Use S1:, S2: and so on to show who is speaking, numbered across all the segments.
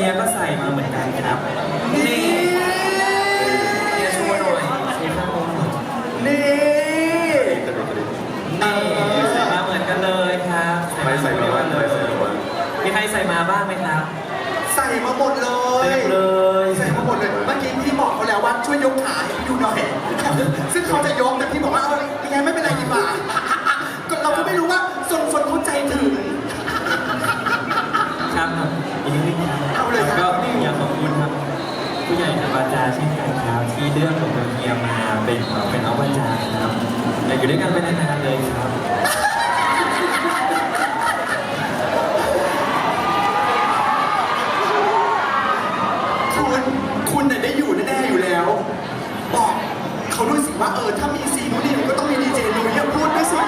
S1: ยก็ใส่มาเหมือนกันครับนี่เฮียโชว์หน่อยเฮียข้างบน
S2: นี่
S1: ใส่มาเหมือนกันเลยครับ
S3: ไม่ใส่มาบ้างไม่ใส่มาบ้าง
S1: มีใครใส่มาบ้างไหมครับ
S2: ใส่มาหมดเลยใส่มาหมดเลยเมื่อกี้พี่บอกเขาแล้วว่าช่วยยกขาให้พี่ดูหน่อยซึ่งเขาจะยกแต่พี่บอกว่าเอายังไงไม่เป็นไรดีกว่าเราก็ไม่รู้ว่าส่วนเข้าใจถึง
S1: ครับอีกนิดนึงครับก็อยากขอบคุณครับผู้ใหญ่ทางบาจาเช่นกันครับที่เลือกผมกับเฮียมาเป็นเอาบาจาครับอยากอยู่ด้วยกันไปนานๆเลยครับ
S2: คุณเนี่ยได้อยู่แน่ๆอยู่แล้วบอกเขาด้วยสิว่าถ้ามีซีนูนิวก็ต้องมีดีเจนุ้ยพูดด้วยสิ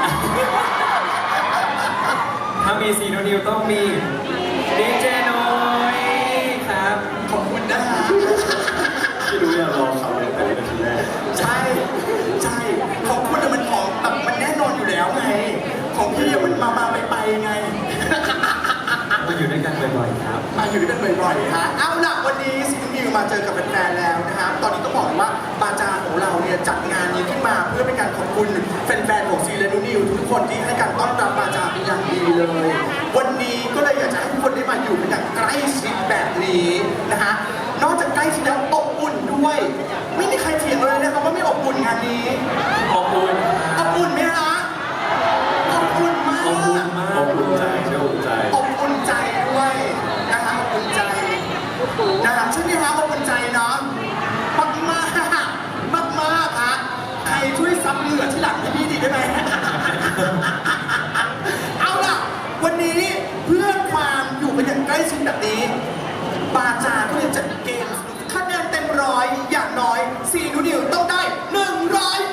S1: ถ้ามีซีโนนิวต้องมีดีเจนุ้ยครับ
S2: ขอบคุณนะฮะ
S3: พี่รู้อย่างรอเขาเลยแต่เป็นทีแรก
S2: ใช่ของคุณมันของแบบมันแน่นอนอยู่แล้วไงของพี่มันมาไปไง
S1: มาอยู่ด้วยกันบ่อยๆครับ
S2: มาอยู่ด้วยกันบ่อยๆฮะเอาล่ะวันนี้ซีนูนิวมาเจอกับแฟนๆแล้วนะครับตอนนี้ต้องบอกว่าบาจาของเราเนี่ยจัดงานนี้ขึ้นมาเพื่อเป็นการขอบคุณแฟนๆของซีนูนิวทุกคนที่ให้การต้อนรับบาจาเป็นอย่างดีเลยวันนี้ก็เลยอยากจะให้ทุกคนได้มาอยู่กันอย่างใกล้ชิดแบบนี้นะฮะนอกจากใกล้ชิดแล้วอบอุ่นด้วยไม่มีใครเถียงเลยนะครับว่าไม่อบอุ่นงานนี้
S1: อบอุ่น
S2: ไหมฮะอบอุ่นมาก
S1: อบอุ่นมาก
S3: อบอุ่นใจอบอุ่นใจ
S2: อบอุ่นใจด้วยนะฮะอบอุ่นใจนะฮะใช่ไหมฮะอบอุ่นใจเนาะมากฮะใครช่วยซับเหงื่อที่หลังให้พี่ดีได้ไหมเอาล่ะวันนี้เพื่อความอยู่กันอย่างใกล้ชิดแบบนี้บาจาก็เลยจัดเกมคะแนนเต็มร้อยอย่างน้อยซีนูนิวต้องได้101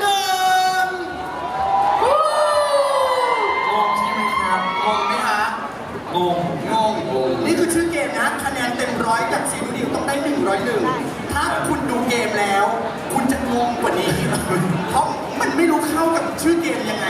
S1: งงใช่ไหมครับ
S2: งงไหมฮะ
S1: งง
S2: นี่คือชื่อเกมนะคะแนนเต็มร้อยจากซีนูนิวต้องได้101ถ้าคุณดูเกมแล้ว คุณจะงงกว่านี้เพราะมันไม่รู้เข้ากับชื่อเกมยังไง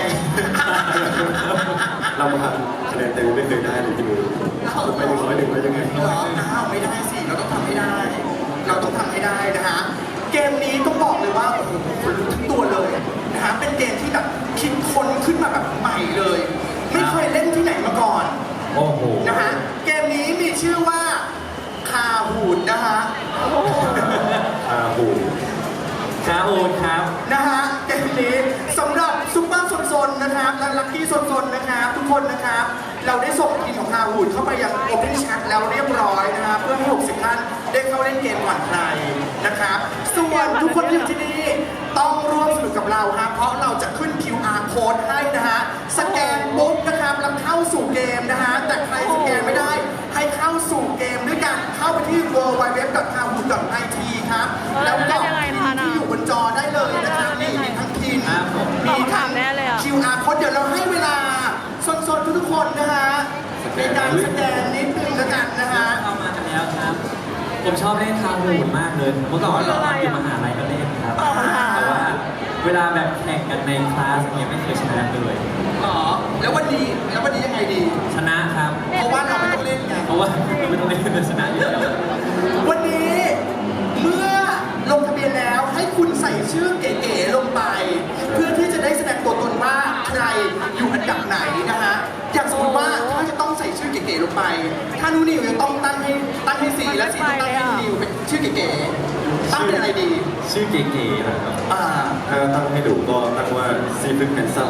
S3: เราทำคะแนนเต็มไม่เคยได้เลยที่มือไป101ได้ยังไง
S2: ไม่ได้สิเราต้องทำให้ได้นะฮะเกมนี้ต้องบอกเลยว่าโอ้โหคนรู้ทั้งตัวเลยนะฮะเป็นเกมที่แบบคิดค้นขึ้นมาแบบใหม่เลยไม่เคยเล่นที่ไหนมาก่อน
S1: โอ้โห
S2: นะฮะเกมนี้มีชื่อว่าคาหูดนะฮะ
S3: คาหูด
S1: ครับ
S2: นะฮะเกมนี้สำหรับซุปเปอร์ซนๆนะครับและลัคกี้ซนๆนะครับทุกคนนะครับเราได้ส่งทีมของคาหูดเข้าไปยัง Open Chat แล้วเรียบร้อยนะครับเพื่อให้60ท่านได้เข้าเล่นเกมก่อนใครนะครับส่วนทุกคนที่อยู่ที่นี่ต้องร่วมสนุกกับเราครับเพราะเราจะขึ้น QR code ให้นะฮะสแกนปุ๊บนะครับแล้วเข้าสู่เกมนะฮะแต่ใครสแกนไม่ได้ให้เข้าสู่เกมด้วยกันเข้าไปที่ www.kahoot.it ครับแล้วก็ที่อยู่บนจอได้เลยนะครับนี่มีทั้งทีมมีทั้ง QR code เดี๋ยวเราให้เวลาสนๆทุกคนนะฮะในการสแกนนิดนึงแล้วกันนะฮะ
S1: เข้ามากันแล้วครับผมชอบเล่นคาหูดมากเลยเมื่อก่อนเราอยู่มหาลัยก็เล่นครับแต่ว่าเวลาแบบแข่งกันในคลาสเนี่ยไม่เคยชนะเลย
S2: อ๋อแล้ววันนี้ยังไงดี
S1: ชนะครับ
S2: เพราะว่าเราไม่ต้องเล่นไง
S1: เพราะว่าเราไม่ต้องเล่นชนะอยู่แล้ว
S2: วันนี้เมื่อลงทะเบียนแล้วให้คุณใส่ชื่อเก๋ๆลงไปเพื่อที่จะได้แสดงตัวตนว่าใครอยู่อันดับไหนนะฮะอย่างสมมติว่าถ้าจะต้องใส่ชื่อเก๋ๆลงไปถ้านูนิวจะต้องตั้งให้สีและสีต้องตั้งให้นิวเป็นชื่อเก๋ๆตั้งเป็นอะไรดี
S1: ชื่อเก๋ๆนะครับ
S3: ถ้าตั้งให้ดูก็ตั้งว่าซีฟึกแฮนซัม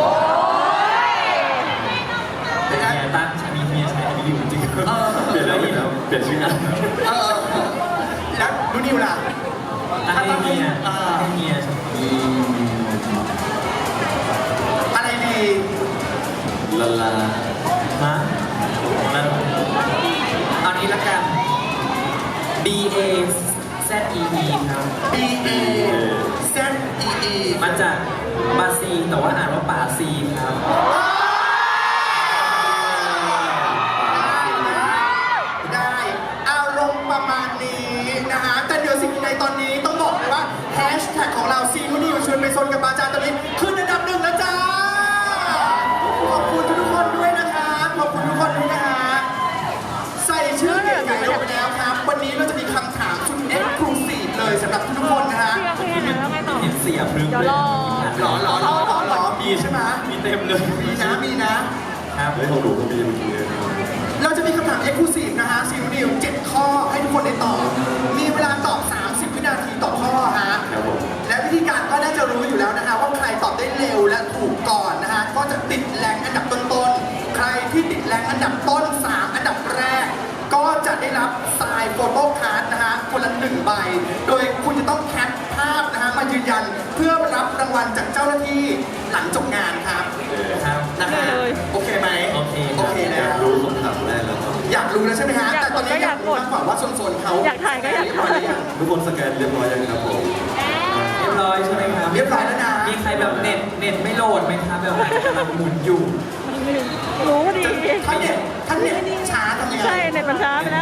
S1: เป็นไงตั้งมีเมียใช้อันนี้อยู่จริง
S3: เปลี่ยนแล้วเปลี่ยนชื่อ
S2: แล้วนูนิวล่ะ
S1: ให้เมีย
S2: อะไรดี
S3: ลา
S1: ฮะเอานี้ละกัน BAZEE ครับ
S2: BAZEE
S1: มาจากบาซีแต่ว่าอ่านว่าป่าซีครับ
S2: ได้อารมณ์ประมาณนี้นะฮะแต่เดี๋ยวสิ่งใดตอนนี้ต้องบอกเลยว่าแฮชแท็กของเราซีนูนิวชวนไปซนกับบาจาตอนนี้ขึ้นอันดับ1แล้วจ้าขอบคุณทุกคนด้วยนะครับขอบคุณทุกคนด้วยนะฮะใส่ชื่อเก๋ๆลงไปแล้วครับ
S1: ครับ
S3: เฮ้ยของหนูก็มีเมื่อกี้เลยครับ
S2: เราจะมีคำถาม Exclusive นะฮะซีนิว7ข้อให้ทุกคนได้ตอบ มีเวลาตอบ 30 วินาทีต่อข้อฮะ
S3: ครับผม
S2: และวิธีการก็น่าจะรู้อยู่แล้วนะฮะว่าใครตอบได้เร็วและถูกก่อนนะฮะก็จะติดแรงอันดับต้นๆ ใครที่ติดแรงอันดับต้น 3 อันดับแรก ก็จะได้รับทรายโฟโต้การ์ดนะฮะคนละ1 ใบ โดยคุณจะต้องแคปภาพนะฮะมายืนยันเพื่อรับรางวัลจากเจ้าหน้าที่หลังจบงานครับ
S1: ครับ
S2: นะฮะโอเคไหม
S1: โอเค
S2: โอเค
S3: อ
S2: นะ
S3: ยากรู้คำถามแรกแล้วครับ
S2: อยากรู้แล้วใช่ไหมฮะ
S4: อยาก
S2: แต่ตอนนี้
S4: กดก็อยาก กด
S2: รู้มากกว่าว่าโซนๆเขา
S4: อยากถ่ายก็อยากถ่าย
S2: เรีบร้หรือยัง
S3: ทุกคนสแกนเรียบร้อยยังครับผม
S1: เรียบร้อยใช่ไหมครับ
S2: เรียบร้อยแล้วนะ
S1: มีใครแบบเน็ตไม่โหลดไหมครับแบบกำลังหมุนอยู่
S4: รู้ดี
S2: ท่านเนี่ยช้าทำยังไง
S4: ใช่เน็ตมันช้าไปแล้ว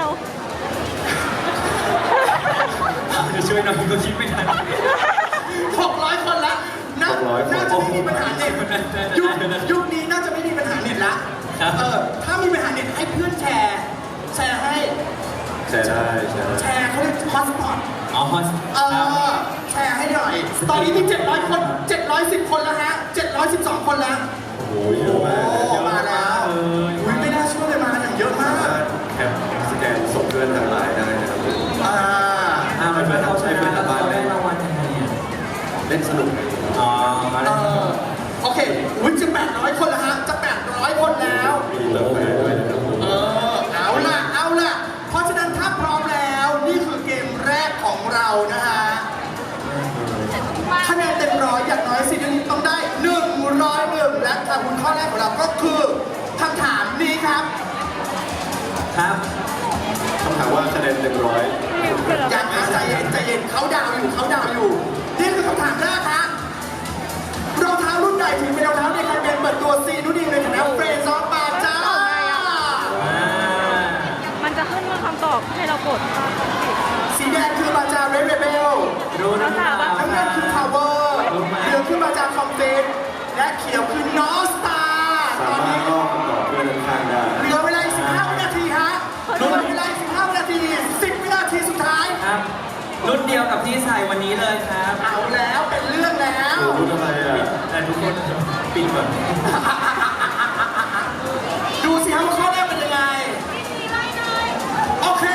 S1: จะช่วยหน่อยก็คิดไม่ทัน
S2: 600 คนละน่า
S3: 600
S2: น่าจะไม่มีปัญหาเน็ตยุคนี้น่าจะไม่มีปัญหาเน็ตละ
S1: ครับ
S2: ถ้ามีปัญหาเน็ตให้เพื่อนแชร์ให้
S3: แชร์ได้แชร์ได้
S2: แชร์เขาเรียกฮอตสปอต
S1: อ๋อฮอส
S2: แชร์ให้หน่อย ตอนนี้มี 700 คน 710 คนแล้วฮะ 712 คนแล้ว
S3: โอ้โหเยอะมากเลย
S2: โอ้มาแล้วอุ๊ยไม่น่าเชื่อเลยมาอย่างเยอะมาก
S3: สามารถแคปสแกนส่งเพื่อนทางไลน์ได้นะครับผม
S1: มันเป็นเขาชนะแล้วเขาได้รางวัลยังไงอ่ะ
S3: เล่นสนุก
S1: อ๋อมาแล้ว
S2: โอเคอุ๊ยจะ800 คนแล้วฮะ จะ 800 คนแล้ว
S3: มีกาแฟด้วยนะครับผม
S2: เอาล่ะ เพราะฉะนั้นถ้าพร้อมแล้ว นี่คือเกมแรกของเรานะฮะ คะแนนเต็มร้อยอย่างน้อยสินต้องได้101และคำคุณข้อแรกของเราก็คือคำถามนี้ครับ
S1: ครับ
S3: คำถามว่าคะแนนเต็มร้อย
S2: อย่างนะใจเย็นเขาดาวอยู่นี่คือคำถามแรกฮะรองเท้ารุ่นใดถึงเป็นรองเท้าในแคมเปญเปิดตัวซีนูดีในฐานะเฟรนด์ซอฟบาจ้า
S4: มันจะขึ้นว่าคำตอบให้เรากด
S2: สีแดงคือบาจาเรดเบล
S1: รู้หรือเปล่า
S2: น้ำเงินคือพาวเวอร์เหลืองคือบาจาคอมเฟนและเขียวคือนอสตาต
S3: สา
S2: อน
S3: มาร
S2: นี้
S3: ถลอกคำตอบเพื่อนข้างๆได้
S2: เหลือเวลาอีก15 วินาทีฮะเหลือเวลาอีก15 วินาที 10 วินาทีสุดท้าย
S1: ครับ รุ่นเดียวกับที่ใส่วันนี้เลยครับ
S2: เอาแล้วเป็นเรื่องแล้ว
S3: หนูรู้ทำไมอ่ะ
S1: แต่ทุกคนปิดก่อน
S2: ดูสิครับว่าข้อแรกเป็นยังไง โอเค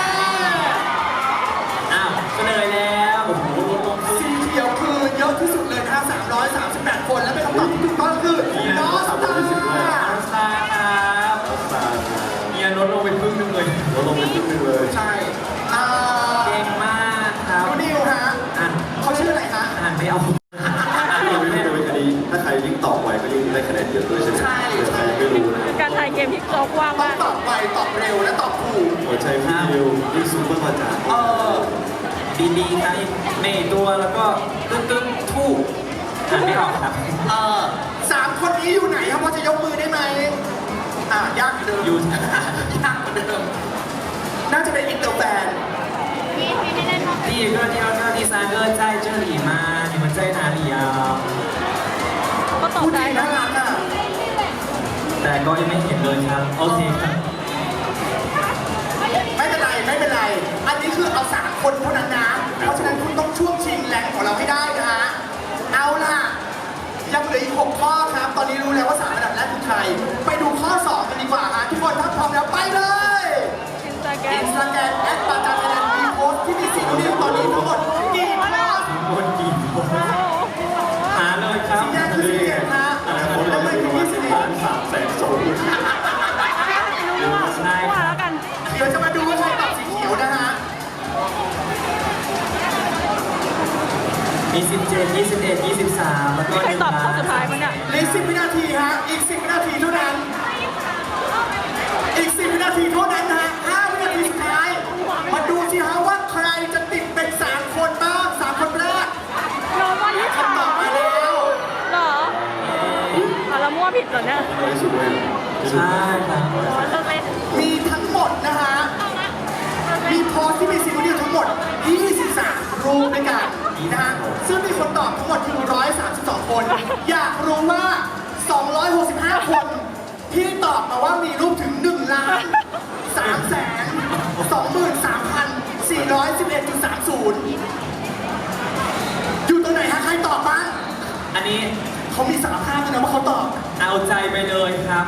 S1: อ้าวเฉลยแล้วโอ้โหลงทุน
S2: สีเขียวคือเยอะที่สุดเลยนะฮะ338 คน และเป็นคำตอบที่ถูกต้องคือนอสตา
S1: อัลสตาร์ครับ
S3: ตา
S1: เมียลดลงไปครึ่งหนึงเลย
S3: เราลงไปครึ่งหนึงเลย
S2: ใช่อ่า
S1: เก่งมากครับ
S2: ดูนิวฮะ
S1: อ่าน
S2: เขาชื่ออะไรฮะ
S1: อ่านไม่เอา
S3: ที่เราไม่ได้โดยคดีถ้าใครยิ่งตอบไวก็ยิ่งได้คะแนนเยอะด้วยใช่ไหม
S2: ใช่
S3: ใครยังไม่รู้นะครับ
S4: การถ่ายเกมที่โจ๊กว่าง
S2: ต้อง
S4: มาก
S2: ตอบไวตอบเร็วและตอบถูก
S3: หัวใจพี่ดิวยิ่งซูเปอร์มาจาก
S1: ดีๆทั้งในตัวแล้วก็ตึ้งทู่อ่านไม่ออกครับ
S2: 3 คนนี้อยู่ไหนครับพอจะยกมือได้ไหมยากเหมือนเดิม
S1: อยู่
S2: ยากเหมือนเดิมน่าจะเป็นอินเตอร์แฟน
S1: 第一个、第二个、第三个在这里吗？你们在哪里啊？
S4: ก็ตอบ
S2: พูด
S4: ได้
S2: ดี
S4: นะ
S2: น่ารักอ่ะ
S1: แต่ก็ยังไม่เห็นเลยครับ โอเคครับ
S2: ไม่เป็นไร อันนี้คือเอา3 คนเท่านั้นนะ เพราะฉะนั้นคุณต้องช่วงชิงแรงของเราให้ได้นะฮะ เอาล่ะ ยังเหลืออีก 6 ข้อครับ ตอนนี้รู้แล้วว่า3 อันดับแรกคือใคร ไปดูข้อ 2 กันดีกว่าฮะทุกคนถ้าพร้อมแล้วไปเลย
S4: อินสตาแกร
S2: อิ
S4: ม
S2: นสตาแกรมแอดปาจาเทเลนมีโพสต์ที่มีสีนิ้วตอนนี้ทั้งหมดกี่โพสต์
S1: คนกี่คนหาเลยครับ
S2: สีแดงคือสีเขียวฮะ
S3: อนาคต
S2: แล้
S3: เรา
S2: ว
S3: จะ
S2: ไม่
S3: มี
S2: มี
S3: ประมาณ
S2: สี
S3: ล้าน300,000 2
S4: รู้ว่าแล้วกัน
S2: เดี๋ยวจะมาดูว่าใครตอบสีเขียวนะฮะ
S1: มี17 21 23แล้วก็
S4: ใครตอบข้อสุดท้ายมันเนี่ย
S2: เหลือ10 วินาทีฮะ อีก 10 วินาทีเท่านั้น อีก 10 วินาทีเท่านั้นนะฮะ 5 วินาทีสุดท้าย มาดูสิฮะว่าใครจะติดเป็น 3 คนบ้าง 3 คนแรก
S4: โนวันที่สาม
S2: คำตอบมาแล้ว
S4: เหรอเรามั่วผิดเหรอเนี่ย
S3: น้อยสุดเลย
S1: ใช่ครับ
S4: อ๋อเราเป็น
S2: มีทั้งหมดนะฮะ มีโพสต์ที่มีซีรีส์ทั้งหมด 23 รูปด้วยกันนะฮะ ซึ่งมีคนตอบทั้งหมดคือ 132 คน อยากรู้ว่า 265 คนที่ตอบมาว่ามีรูปถึง 1,323,411.30 อยู่ตรงไหนฮะ ใครตอบบ้าง
S1: อันนี้
S2: เขามีสารภาพด้วยนะว่าเขาตอบ
S1: เอาใจไปเลยครับ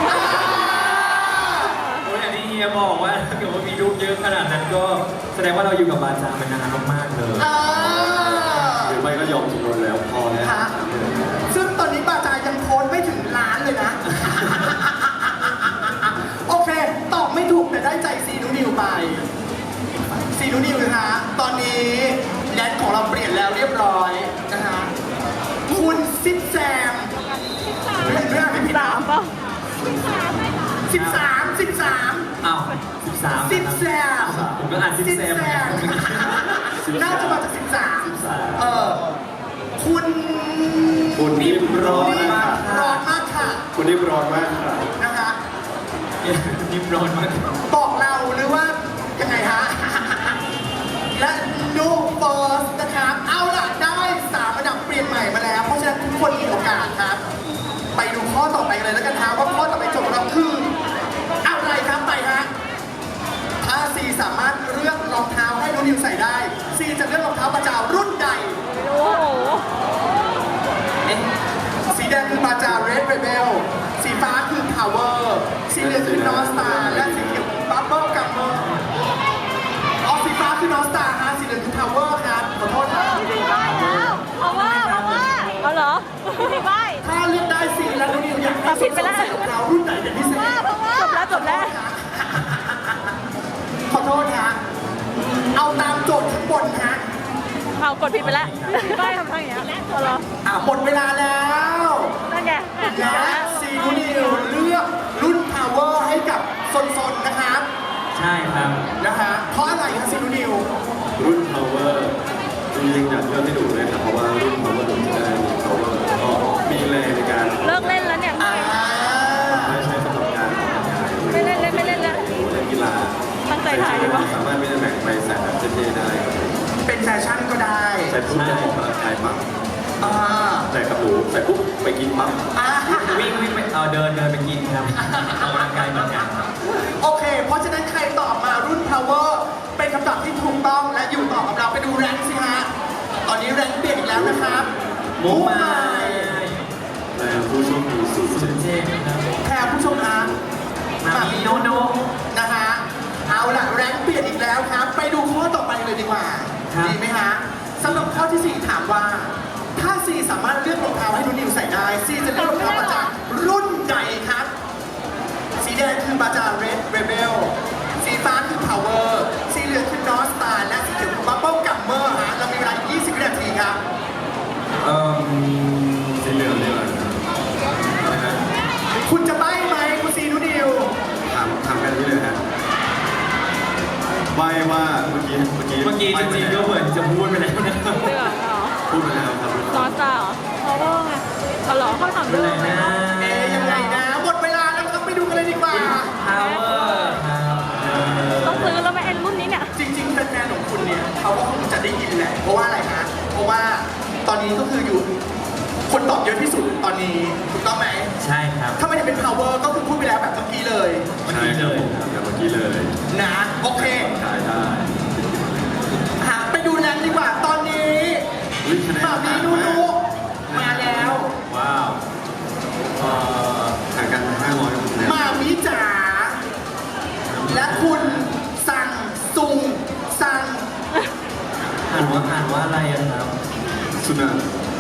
S1: โอ้ยอย่างที่เฮียบอกว่าถ้าเกิดว่ามีลูกเยอะขนาดนั้นก็แสดงว่าเราอยู่กับบาจามานานมากๆเลย
S3: หรือไม่ก็ยอมจำนวนแล้วพอแล้ว
S2: ฮะซึ่งตอนนี้บาจายังโค้ดไม่ถึงล้านเลยนะ โอเค ตอบไม่ถูกแต่ได้ใจซีนูนิวไป ซีนูนิวนะฮะ ตอนนี้แดนของเราเปลี่ยนแล้วเรียบร้อยนะฮะ คุณซิดแซมเรื่องไม่ผิด
S4: สามเปล่า
S2: 13
S1: อ้าว13
S2: ซิดแซม
S1: ผมก็อ่านซิดแซม
S2: น่าจะมาจาก13คุณ
S3: คุณนิ่มร้อนมาก
S2: ร้อนมากค่ะ
S3: คุณนิ่มร้อนมากค่ะ
S2: นะคะ
S1: นิ่มร้อนมาก
S2: บอกเราหรือว่ายังไงฮะ และนูเฟิร์สนะครับ เอาล่ะ ได้3ระดับเปลี่ยนใหม่มาแล้ว เพราะฉะนั้นทุกคนมีโอกาสครับ ไปดูข้อต่อไปกันเลยแล้วกันครับว่าข้อต่อไปโจทย์ของเราคืออะไรครับไปฮะ ถ้าซีสามารถเลือกรองเท้าให้น้องนิวใส่ได้ซีจะเลือกรองเท้าประจารุ่นใด
S4: โอ้โห
S2: สีแดงคือบาจา Red Rebel สีฟ้าคือ Power สีเหลืองคือ North Star และสีเขียว Bubble Gummer อ๋อสีฟ้าคือ North Star ฮะสีเหลืองคือ Power ครับขอโทษครับ
S4: พี่ใบแล้วเพราะว่าเอาเหรอพี่ใบ
S2: ถ้าเลือกได้สีแล้วน้องนิวอยากให้
S4: ผิดไปแล้ว
S2: ใส่รองเท้ารุ่นไหนเป็นพิเศษ
S4: จบแล้ว
S2: ขอโทษฮะเอาตามโจทย์ข้างบนฮะ
S4: เอากดผิดไปแล้วพี่ใบทำทางอย่างเงี้ยเอาเหรอ
S2: หมดเวลาแล้ว
S4: นั่นไง
S2: และซีนูนิวเลือกรุ่น Power ให้กับซนๆนะครับ
S1: ใช่ครับ
S2: นะฮะเพราะอะไรครับซีนูนิว
S3: รุ่น power จริงๆอยากเลือกให้ดูเลยครับเพราะว่ารุ่น power ผมจะได้มี power แล้วก็มีแรงในการ
S4: เลิกเล่นแล้วเนี่ย
S3: ใช้สำหรับการออกกำลังกาย
S4: ไม่เล่นแล้ว
S3: เล่นกีฬา
S4: ตั้งใจถ่ายดีกว่า
S3: สามารถไม่ได้แบ่งไปใส่แบบเท่ๆได้ครับ
S2: เป็นแฟชั่นก็ได้
S3: ใส่ปุ๊บจะออกกำลังกายปั๊บ
S2: อ่า
S3: ใส่กระปูใส่ปุ๊บไปกินปั๊บ
S2: อ่า
S1: วิ่งไปเดินไปกินครับออกกำลังกายเหมือนกัน
S2: โอเค เพราะฉะนั้นใครตอบมารุ่น power เป็นคำตอบที่ถูกต้องและอยู่ต่อกับเราไปดูแรงค์สิฮะ ตอนนี้แรงค์เปลี่ยนอีกแล้วนะครับ
S1: มุกมา
S3: แล้วผู้โชคดีสูงสุ
S1: สุ
S3: ด
S1: ดเจ๊ครับ
S2: แพรผู้ชมฮะ
S1: มามีโนโน
S2: นะฮะ เอาล่ะแรงค์เปลี่ยนอีกแล้วครับ ไปดูข้อต่อไปเลยดีกว่า ดีไหมฮะสำหรับข้อที่ 4 ถามว่า ถ้าซีสามารถเลือกรองเท้าให้นูนิวใส่ได้ซีจะเลือกรองเท้ามาจากรุ่นใดครับ สีแดงคือบาจา Red Rebel สีฟ้าคือ Power สีเหลืองคือ North Star และสีเขียวคือ Bubble Gummer ฮะ เรามีเวลา20 วินาทีครับ
S3: สีเหลืองนี่แหละนะฮะ
S2: คุณจะใบ้ไหมคุณซีนูนิว
S3: ถามกันนี้เลยฮะใบว่าเมื่อกี้
S1: เมื่อกี้จริงๆก็เหมือนจะพูดไปแล้วนะครับ
S4: เหลืองเหรอ
S3: พูดไปแล้วครับ
S4: นอนตาเหรอเพราะว่าไงเอาเหรอข้อถาม
S1: เป็
S4: เรื่
S1: น
S4: อง
S1: ไร
S4: อะไร
S1: นะ
S2: ยังไงนะ หมดเวลาแล้วครับไปดูกันเลยดีกว่า
S1: power ครับ
S4: ต้องซื้อแล้วไหมไอ้รุ่นนี้เนี่ย
S2: จริงๆแฟนๆของคุณเนี่ยเขาก็คงจะได้ยินแหละ เพราะว่าอะไรฮะ เพราะว่าตอนนี้ก็คืออยู่คนตอบเยอะที่สุดตอนนี้ถูกต้องไหม
S1: ใช่ครับ
S2: ถ้าไม่ได้เป็น power ก็คือพูดไปแล้วแบบเมื่อกี้เลย
S3: ใช่ครับผมกับเมื่อกี้เลย
S2: นะ โอเค
S3: ได้ได้
S2: หาไปดูแรงดีกว่า ตอนนี้
S3: อุ๊ยคะแนน
S2: มามีนูนูมาแล้ว
S1: ว้าว
S3: ห่างกัน500คะแนน
S2: มามิจ๋าและคุณสั่งซุงสั่ง
S1: อ่านว่าอะไรอะครับ
S3: สุนันท์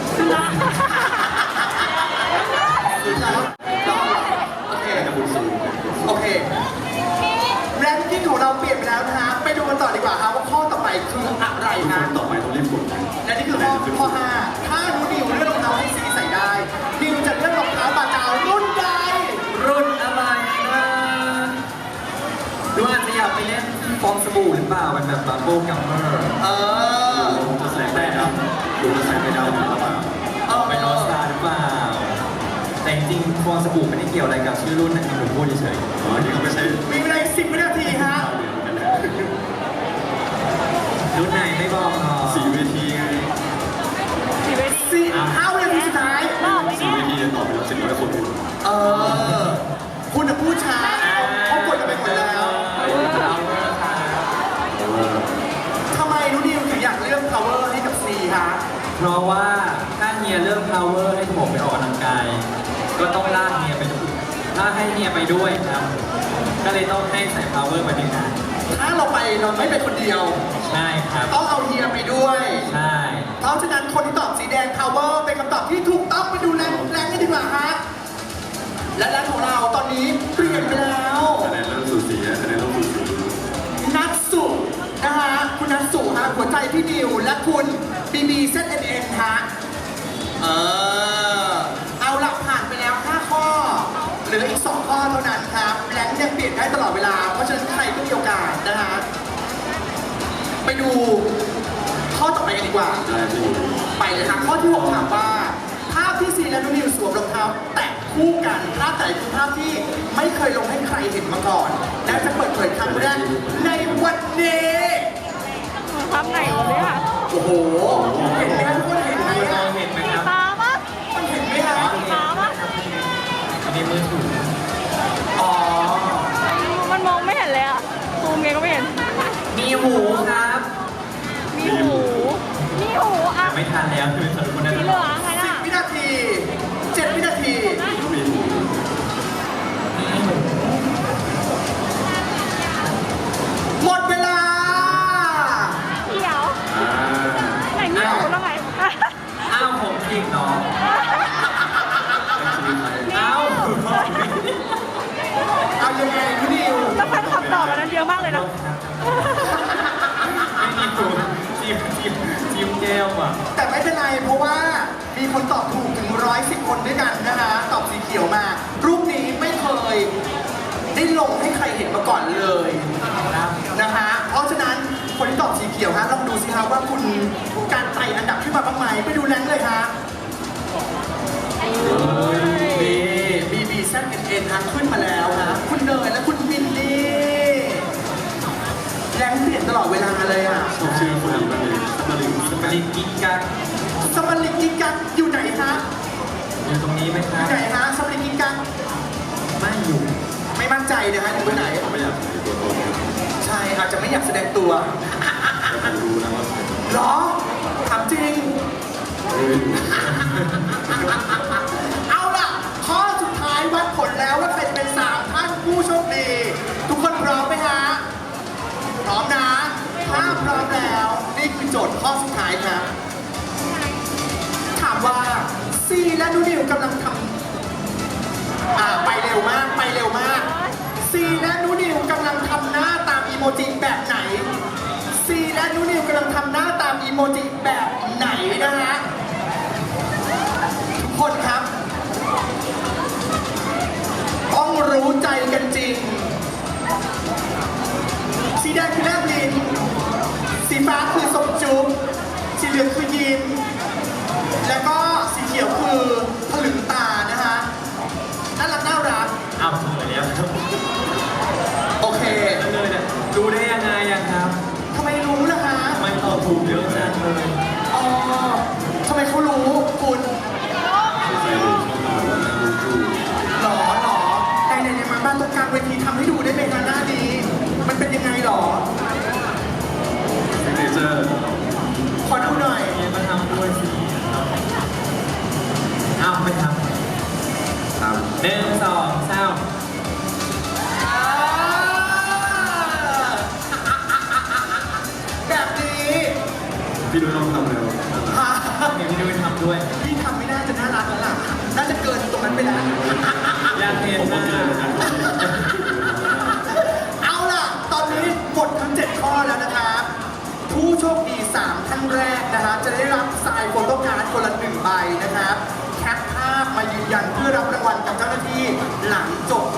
S2: โอเค
S3: กับบุญสู
S2: โอเค แรงกิ้งของเราเปลี่ยนไปแล้วนะฮะ ไปดูกันต่อดีกว่าครับว่าข้อต่อไปคืออะไร
S3: ทุกค
S2: ฮะ
S3: นต่อไปต้องรีบกดนะ
S2: และนี่คือข้อ 5 ถ้านิวเลือกรองเท้าให้ซีใส่ได้นิวจะเลือกรองเท้าบาจาวรุ่นใด
S1: รุ่นอะไรนะหรือว่าอาจจะอยากไปเล่นฟองสบู่หรือเปล่าเป็นแบบบับเบิ้ลกัมเมอร์
S3: ดูจะแสงไปดำดูจะแสงไปดำหรือเปล่า
S1: ไปนอสตาหรือเปล่า แต่จริงๆฟองสบู่ไม่ได้เกี่ยวอะไรกับชื่อรุ่นนะครับผมพูดเฉย
S3: อ๋อนี่ก็ไม่ใช่
S2: มีเวลา10 วินาทีฮะ
S1: ๆรุ่นไหนไม่บอกหรอ
S3: สีเวทีไง
S2: 5 วินาทีสุดท้าย
S4: บอกไป
S3: สี
S4: เนี่ย
S3: เวทีตอบไปแล้ว700 คน
S2: คุณจะพูดช้าเขากดกันไปหมดแล้ว
S3: แต่ว่า
S2: ทำไมนูนิวถึงอยากเลือก power ให้กับซีฮะ
S1: เพราะว่าถ้าเฮียเริ่ม power ให้ผมไปออกกำลังกายก็ต้องลากเฮียไปด้วยถ้าให้เฮียไปด้วยครับ ก็เลยต้องให้ใส่ power มาด้วยกัน
S2: ถ้าเราไปเราไม่ไปคนเดียว
S1: ใช่ครับ
S2: ต้องเอาเฮียไปด้วย
S1: ใช่
S2: เพราะฉะนั้นคนที่ตอบสีแดง power เป็นคำตอบที่ถูกต้องไปดูแรงกันดีกว่าฮะและแรงของเราตอนนี้เปลี่ยนไปแล้ว
S3: คะแนนเริ่มสูสีคะแนนเริ่มสูสี
S2: นัทสุนะฮะคุณนัทสุฮะหัวใจพี่ดิวและคุณบีบีเซตเอ็นฮะเอาหลักผ่านไปแล้ว 5 ข้อเหลืออีก 2 ข้อเท่านั้นครับแรงยังเปลี่ยนได้ตลอดเวลาเพราะฉะนั้นใครก็มีโอกาสนะฮะไปดูข้อต่อไปกันดีกว่า
S3: ได้ที่อยู่
S2: ไปเลยครับข้อที่ 6 ถามว่าภาพที่ซีและนุ่นนิวสวมรองเท้าแตะคู่กันภาพไหนคือภาพที่ไม่เคยลงให้ใครเห็นมาก่อน และจะเปิดเผยครั้งแรกในวันนี้
S4: ทำไหนวะเนี่ย
S2: โอ้โหเห็นไหมครับทุกคนเห็นไหม
S1: ม
S2: อะ
S1: องเห็นไหม
S4: สี
S1: ครับ
S4: ฟ้าปะ
S2: มันเห็นไหมฮะ
S4: สีฟ้าปะ
S1: อันนี้มือถือ
S2: อ๋อ
S4: มันมองไม่เห็นเลยอ่ะซูมไงก็ไม่เห็น
S1: มีหูครับ
S4: มีหูมีหูอ่ะ
S1: แต่ไม่ทันแล้วคือสรุปคนนั้น
S4: สีเหลืองไงน่ะ
S2: 10 วินาที 7 วินาที
S3: ก็มีหู
S2: หมดเวลา
S4: เขียว
S3: อ่า
S4: ไหนมีหูแล้วไง
S1: อ้าวผมจริงเนาะ
S3: ชีวิตไทย
S1: อ้าว
S2: เอายังไงนุ่นนิว
S4: แล้วแฟนคลับตอบอันนั้นเยอะมากเลยนะ
S1: ไม่มีหูจิ้มแก้วอ่ะ
S2: แต่ไม่เป็นไรเพราะว่ามีคนตอบถูกถึง110 คนด้วยกันนะคะตอบสีเขียวมา รูปนี้ไม่เคยได้ลงให้ใครเห็นมาก่อนเลย
S1: ครับ
S2: นะคะเพราะฉะนั้นคนที่ตอบสีเขียวฮะลองดูสิครับว่าคุณการไต่อันดับขึ้นมาบ้างไหมไปดูแรงเลยฮะนี่บีบีแซดเอ็นฮะขึ้นมาแล้วฮะคุณเนยและคุณวินนี่แรงเปลี่ยนตลอดเวลาเลยอ่ะ
S3: ชอบชื่อคนนี้มากเลยสมาริง
S1: สปริงกิ๊กกัก
S2: สมริกิกันอยู่ไหนฮะ
S1: อยู่ตรงนี้ไหมค
S2: อ
S1: รับ
S2: ยู่ไหนฮะสมริกิกัน
S1: ไม่อยู่
S2: ไม่มั่นใจนะฮะอยู่ตรงไหน
S3: ไม่อยากเป็นตัวตน
S2: ใช่อาจจะไม่อยากแสดงตัว
S3: แต่ผมรู้นะว่า
S2: เหรอถามจริง
S3: เฮ้ย
S2: เอาล่ะ ข้อสุดท้ายวัดผลแล้วว่าใครจะเป็น3ท่านผู้โชคดี ทุกคนพร้อมไหมฮะ พร้อมนะ ถ้าพร้อมแล้ว นี่คือโจทย์ข้อสุดท้ายครับ ถามว่าซีและนูนิวกำลังทำไปเร็วมาก ไปเร็วมาก ซีและนูนิวกำลังทำหน้าตามอีโมจิแบบไหน ซีและนูนิวกำลังทำหน้าตามอีโมจิแบบไหนนะฮะ ทุกคนครับ ต้องรู้ใจกันจริง สีแดงคือแลบลิ้นสีฟ้าคือสมจุ๊บสีเหลืองคือยิ้ม แล้วก็สีเขียวคือผลึงตานะฮะน่ารักน่ารัก
S1: อ้าวถูกแล้วครับ
S2: โอเค
S1: เลยเนี่ยดูได้ยังไงอะครับ
S2: ทำไมรู้ล่ะฮะ
S1: ทำไมตอบถูกเยอะจังเลย
S2: อ๋อทำไมเขารู้คุณ
S3: ใครรู้ชอบมาว่านั่งดู
S2: หรอในมาบ้านตรงกลางเวทีทำให้ดูได้ไหมคะหน้านี้ มันเป็นยังไงหรอ
S3: ซิกเนเจอร์
S2: ขอดูหน่อย
S1: เฮียมาทำด้วยสิอ้าวไม่ท
S3: ตาม
S1: ำ1 2 3
S2: แบบนี้
S3: พี่ดูต้องทำเร็ว
S2: ฮะ
S1: เดี๋ยวพี่ด้วยทำด้วย
S2: พี่ทำไม่น่าจะน่ารักแล้วล่ะ น่าจะเกินตรงนั้นไปแล้ว
S1: อยากเห็น
S3: ผม
S1: ห
S3: ก็
S1: น้า
S3: เจอเหมือนกัน
S2: เอาล่ะ ตอนนี้หมดทั้ง 7 ข้อแล้วนะครับ ผู้โชคดี 3 ท่านแรกนะฮะจะได้รับทรายโฟโต้การ์ดคนละ1 ใบนะครับ แคปภาพมายืนยันเพื่อรับรางวัลกับเจ้าหน้าที่หลังจบ